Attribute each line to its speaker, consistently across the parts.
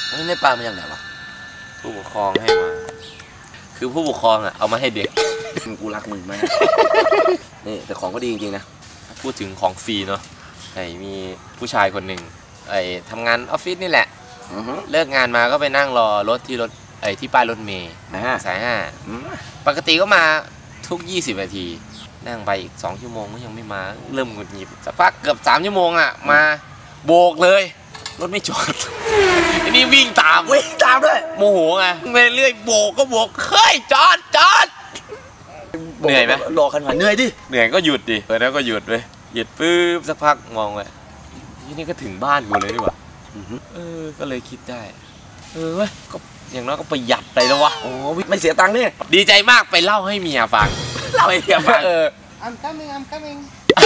Speaker 1: ในปลามันอย่างไรวะ
Speaker 2: ผู้ปกครองให้มาคือผู้ปกครองอ่ะเอามาให้เด็ก
Speaker 1: กูรักมึงมากนี่แต่ของก็ดีจริงๆนะ
Speaker 2: พูดถึงของฟรีเนาะมีผู้ชายคนหนึ่งทำงานออฟฟิศนี่แหละเลิกงานมาก็ไปนั่งรอรถที่ป้ายรถเมล์สาย5ปกติก็มาทุก20 นาทีนั่งไปอีก2 ชั่วโมงก็ยังไม่มาเริ่มหงุดหงิดสักพักเกือบ3 ชั่วโมงอ่ะมาโบกเลยรถไม่จอดอันนี้วิ่งตาม
Speaker 1: ด้วย
Speaker 2: โมโหไงไปเรื่อยโบกก็โบกเฮ้ยจอดเหนื่อยไหม
Speaker 1: รอขนาดเหนื่อยดิ
Speaker 2: เหนื่อยก็หยุดดิแล้วก็หยุดเลยหยุดปุ๊บสักพักมองไปนี่ก็ถึงบ้านกูเลยดีกว่าก็เลยคิดได้เว้ยก็อย่างน้อยก็ประหยัดไปแล้ววะ
Speaker 1: โอ้ไม่เสียตังค์นี่
Speaker 2: ดีใจมากไปเล่าให้เมียฟัง
Speaker 1: เล่าให้เมียฟัง
Speaker 3: I'm coming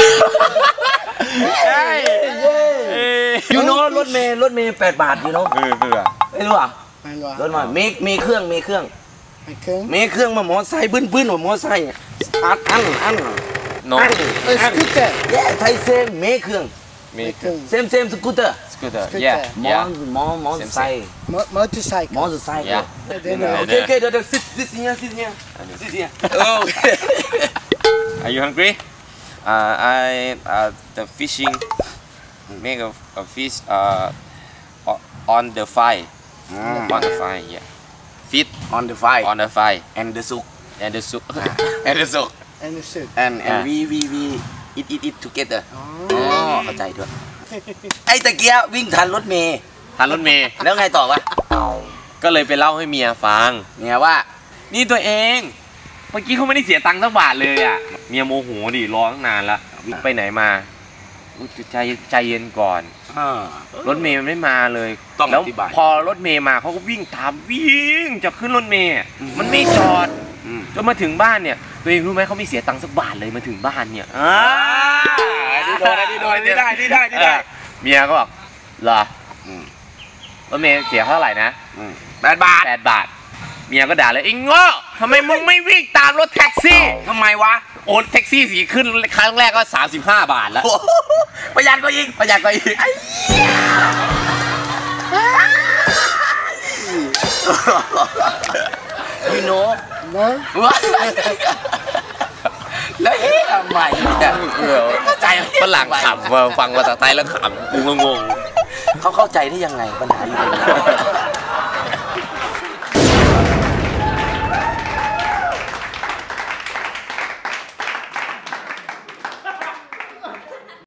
Speaker 2: ใช่
Speaker 1: ยูโน่รถเมย์8 บาทยูโน่ไม่รู้อ่ะรถมามีเครื่องมาหมอไซค์บึ้นหมอไซค์อัน
Speaker 2: น้อง
Speaker 3: สกูตเตอร์
Speaker 1: ไทยเซมมีเครื่องเซมสกูตเตอร์มอไซค์
Speaker 3: มอเตอร์ไซค์
Speaker 1: โอเคเดี๋ยวซิเนี่ย
Speaker 2: Are you hungry? The fishing make a fish on the fire. On the fire, yeah. Feed
Speaker 1: on the fire.
Speaker 2: On the fire.
Speaker 1: And the soup.
Speaker 2: And the soup.
Speaker 1: And the soup. And we eat together. เข้าใจด้วยไอ้ตะเกียวิ่งทันรถเมย์แล้วไงต่อวะ
Speaker 2: ก็เลยไปเล่าให้เมียฟัง
Speaker 1: เมียว่า
Speaker 2: นี่ตัวเองเมื่อกี้เขาไม่ได้เสียตังค์สักบาทเลยอ่ะเมียโมโหดิรอตั้งนานละไปไหนมาใจเย็นก่อนรถเมย์มันไม่มาเลยแล้วพอรถเมย์มาเขาก็วิ่งตามวิ่งจะขึ้นรถเมย์มันไม่จอดจนมาถึงบ้านเนี่ยตัวเองรู้ไหมเขาไม่เสียตังค์สักบาทเลยมาถึงบ้านเนี่ย
Speaker 1: นี่ได้
Speaker 2: เมียก็บอกเหรอรถเมย์เสียเท่าไหร่นะ
Speaker 1: 8 บาท
Speaker 2: เมียก็ด่าเลยไอ้โง่ทำไมมึงไม่วิ่งตามรถแท็กซี่
Speaker 1: ทำไมวะ
Speaker 2: โอนแท็กซี่สีขึ้นครั้งแรกก็35 บาทแล้ว
Speaker 1: ประหยัดก็อีกพี่โน้แล้วเฮ้ยทำไม
Speaker 2: ใจฝรั่งขำฟังภาษาไทยแล้วขำกูงง
Speaker 1: เขาเข้าใจได้ยังไงปัญหาอยู่ตรงนี้